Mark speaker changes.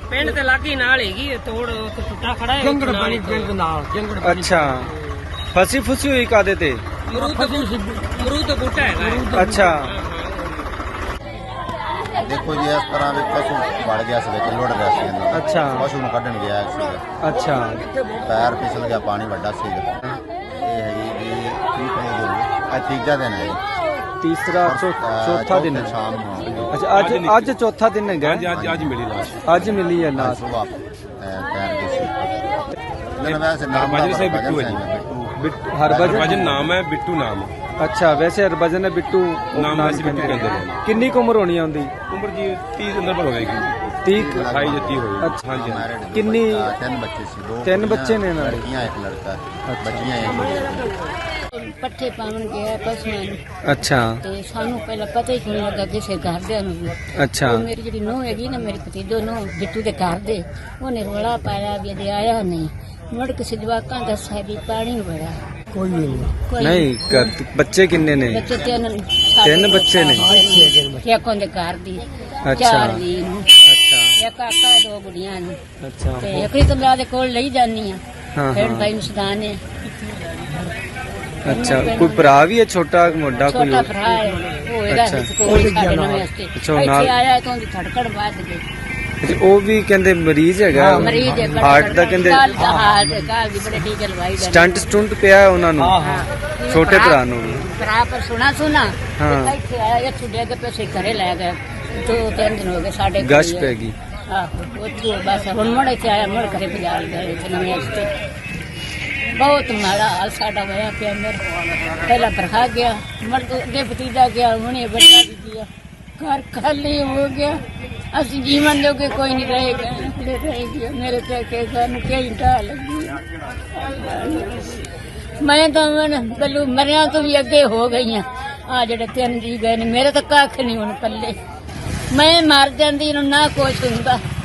Speaker 1: ਪਿੰਡ ਤੇ ਲਾਗੀ ਨਾਲ ਹੈਗੀ ਤੋੜ ਟੁੱਟਾ ਖੜਾ ਹੈ
Speaker 2: ਜੰਗੜ ਪਾਣੀ ਪਿੰਡ ਨਾਲ ਜੰਗੜ ਪਾਣੀ।
Speaker 3: ਅੱਛਾ ਫਸੀ ਫੁਸੀ ਹੋਈ ਕਾਦੇ ਤੇ?
Speaker 1: ਮਰੂਦ ਦਾ ਬੂਟਾ ਹੈਗਾ।
Speaker 3: ਅੱਛਾ
Speaker 4: ਦੇਖੋ ਜੀ ਇਸ ਤਰ੍ਹਾਂ ਵੀ ਪਸ਼ੂ ਵੜ ਗਿਆ ਸੀ ਵਿੱਚ ਲੁੜ ਰਿਹਾ ਸੀ ਇਹਨਾਂ ਦਾ।
Speaker 3: ਅੱਛਾ
Speaker 4: ਪਸ਼ੂ ਨੂੰ ਕੱਢਣ ਗਿਆ ਸੀ,
Speaker 3: ਅੱਛਾ
Speaker 4: ਪੈਰ ਫਿਸਲ ਗਿਆ, ਪਾਣੀ ਵੱਡਾ ਸੀ। ਇਹ ਹੈਗੀ ਜੀ ਕੀ ਕਹੇਗੀ, ਇਹ ਤੀਜਾ ਦਿਨ ਹੈ ਜੀ।
Speaker 3: ਤੀਸਰਾ ਚੌਥਾ ਦਿਨ ਹੈ।
Speaker 4: ਸ਼ਾਮ ਨੂੰ
Speaker 3: ਅੱਛਾ ਅੱਜ ਚੌਥਾ ਦਿਨ ਹੈਗਾ।
Speaker 5: ਅੱਜ ਮਿਲੀ ਲਾਸ਼।
Speaker 3: ਅੱਜ ਮਿਲੀ ਹੈ ਲਾਸ਼।
Speaker 4: ਸੁਬਾਹ ਤੈਰ ਗਈ ਸੀ। ਇਹਨਾਂ ਵੈਸੇ ਨਾਮ
Speaker 5: ਹਰਭਜਨ ਸਿੰਘ ਬਿੱਟੂ ਹੈ ਜੀ। ਹਰਭਜਨ ਨਾਮ ਹੈ, ਬਿੱਟੂ ਨਾਮ ਹੈ।
Speaker 3: ਅੱਛਾ ਵੈਸੇ ਹਰਭਜਨ ਹੈ, ਬਿੱਟੂ
Speaker 5: ਨਾਮ ਵੈਸੇ ਬਿੱਟੂ ਕਹਿੰਦੇ ਨੇ।
Speaker 3: ਕਿੰਨੀ ਕੁ ਉਮਰ ਹੋਣੀ ਆ ਉਹਦੀ?
Speaker 5: ਉਮਰ ਜੀ 30 ਦੇ ਅੰਦਰ ਹੋਵੇਗੀ।
Speaker 3: 30
Speaker 5: 28 ਜਾਂ 30 ਹੋਵੇਗੀ।
Speaker 3: ਅੱਛਾ
Speaker 5: ਹਾਂਜੀ
Speaker 3: ਕਿੰਨੀ?
Speaker 4: ਤਿੰਨ ਬੱਚੇ ਸੀ, ਦੋ
Speaker 3: ਤਿੰਨ ਬੱਚੇ ਨੇ ਨਾਲ?
Speaker 4: ਲੜਕੀਆਂ ਇੱਕ ਲੜਕਾ। ਬੱਚੀਆਂ ਇਹ
Speaker 6: ਪੱਠੇ ਪਾਉਣ ਗਿਆ ਪਸ਼ੂਆਂ ਨੂੰ।
Speaker 3: ਅੱਛਾ
Speaker 6: ਤੇ ਸਾਨੂੰ ਪਹਿਲਾਂ ਪਤਾ ਹੀ ਨਹੀਂ ਲੱਗਾ ਕਿਸੇ ਘਰਦਿਆਂ ਨੂੰ ਵੀ।
Speaker 3: ਅੱਛਾ
Speaker 6: ਉਹ ਮੇਰੀ ਜਿਹੜੀ ਨੂੰਹ ਹੈਗੀ ਨਾ, ਮੇਰੀ ਭਤੀਜੋ ਨੂੰਹ ਬਿੱਟੂ ਦੇ ਘਰ ਦੇ, ਉਹਨੇ ਰੋਲਾ ਪਾਇਆ ਵੀ ਇਹਦੇ ਆਇਆ ਨਹੀਂ। ਮੁੜ ਕੇ ਜਵਾਕਾਂ ਦਾ ਸਾਡੀ ਪਾਣੀ ਬੜਾ
Speaker 2: ਕੋਈ ਵੀ ਨਹੀਂ।
Speaker 3: ਨਹੀਂ ਬੱਚੇ ਕਿੰਨੇ ਨੇ?
Speaker 6: ਬੱਚੇ
Speaker 3: ਤਿੰਨ ਬੱਚੇ ਨੇ।
Speaker 6: ਇੱਕ ਉਹਦੇ ਘਰ ਦੀ
Speaker 3: ਅੱਛਾ
Speaker 6: 4 ਜੀ ਨੂੰ,
Speaker 3: ਅੱਛਾ
Speaker 6: ਇੱਕ ਕਾਕਾ 2 ਗੁੜੀਆਂ ਨੂੰ।
Speaker 3: ਅੱਛਾ
Speaker 6: ਤੇ ਇੱਕ ਤਾਂ ਮੈਂ ਦੇ ਕੋਲ ਲਈ ਜਾਨੀ ਆ।
Speaker 3: ਹਾਂ
Speaker 6: ਫਿਰ
Speaker 3: ਹਾਂ
Speaker 6: ਭਾਈ ਨੂੰ ਸਦਾਨ ਹੈ।
Speaker 3: ਅੱਛਾ ਕੋਈ ਭਰਾ ਵੀ ਹੈ ਛੋਟਾ ਮੋਟਾ ਕੋਈ?
Speaker 6: ਛੋਟਾ ਭਰਾ ਹੈ, ਉਹ ਇਹਦਾ
Speaker 3: ਅੱਛਾ।
Speaker 6: ਕੋਲ ਸਾਡੇ ਨਵੇਂ ਵਾਸਤੇ
Speaker 3: ਅੱਛਾ, ਉਹ
Speaker 6: ਇੱਥੇ
Speaker 3: ਨਾਲ-
Speaker 6: ਆਇਆ ਤਾਂ ਉਹਦੀ ਧੜਕੜ ਵੱਧ ਗਈ।
Speaker 3: ਅੱਛਾ, ਉਹ ਵੀ ਕਹਿੰਦੇ ਮਰੀਜ਼ ਹੈਗਾ।
Speaker 6: ਮਰੀਜ਼ ਹੈ,
Speaker 3: ਹਾਰਟ ਦਾ ਕਹਿੰਦੇ
Speaker 6: ਕਾਲ ਦਾ ਹਾਰਟ ਕਾਲ ਦੀ ਬੜੇ ਟੀਕੇ ਲਵਾਈ ਜਾਂਦੇ।
Speaker 3: ਸਟੰਟ ਪਿਆ ਉਹਨਾਂ ਨੂੰ, ਛੋਟੇ ਭਰਾ ਨੂੰ ਵੀ।
Speaker 6: ਭਰਾ ਪਰ ਸੁਣਾ
Speaker 3: ਹਾਂ।
Speaker 6: ਇੱਥੇ ਆਇਆ, ਇੱਥੇ ਡਿੱਗ ਪਏ ਸੀ, ਘਰੇ ਲੈ ਗਏ। 2-3 ਦਿਨ ਹੋ ਗਏ ਸਾਡੇ ਕੋਲ
Speaker 3: ਗਸ਼
Speaker 6: ਹੀ ਹੈ।
Speaker 3: ਪੈ ਗਈ।
Speaker 6: ਆਹੋ ਉੱਥੇ ਬਸ ਹੁਣ ਮੁੜ ਇੱਥੇ ਆਇਆ, ਮੁੜ ਘਰੇ ਭਜਾ ਗਏ ਇੱਥੇ ਨਵੇਂ ਵਾਸਤੇ। ਬਹੁਤ ਮਾੜਾ ਹਾਲ ਸਾਡਾ ਹੋਇਆ ਪਿਆ। ਮੇਰਾ ਪਹਿਲਾ ਭਰਾ ਗਿਆ, ਮੁੜ ਕੇ ਅੱਗੇ ਭਤੀਜਾ ਗਿਆ, ਹੁਣੇ ਵੱਡਾ ਵੀ ਗਿਆ। ਘਰ ਖਾਲੀ ਹੋ ਗਿਆ। ਅਸੀਂ ਜੀਵਨ ਜੋਗੇ ਕੋਈ ਨਹੀਂ ਰਹੇਗਾ, ਰਹਿ ਗਿਆ। ਮੇਰੇ ਤੇ ਸਾਨੂੰ ਕਈ ਢਾਹ ਲੱਗੀ। ਮੈਂ ਤਾਂ ਬੱਲੂ ਮਰਿਆਂ ਤੋਂ ਵੀ ਅੱਗੇ ਹੋ ਗਈਆਂ। ਆ ਜਿਹੜੇ 3 ਜੀ ਗਏ ਨੇ, ਮੇਰੇ ਤਾਂ ਕੱਖ ਨਹੀਂ ਹੁਣ ਪੱਲੇ। ਮੈਂ ਮਰ ਜਾਂਦੀ ਨੂੰ ਨਾ ਕੁਛ ਹੁੰਦਾ।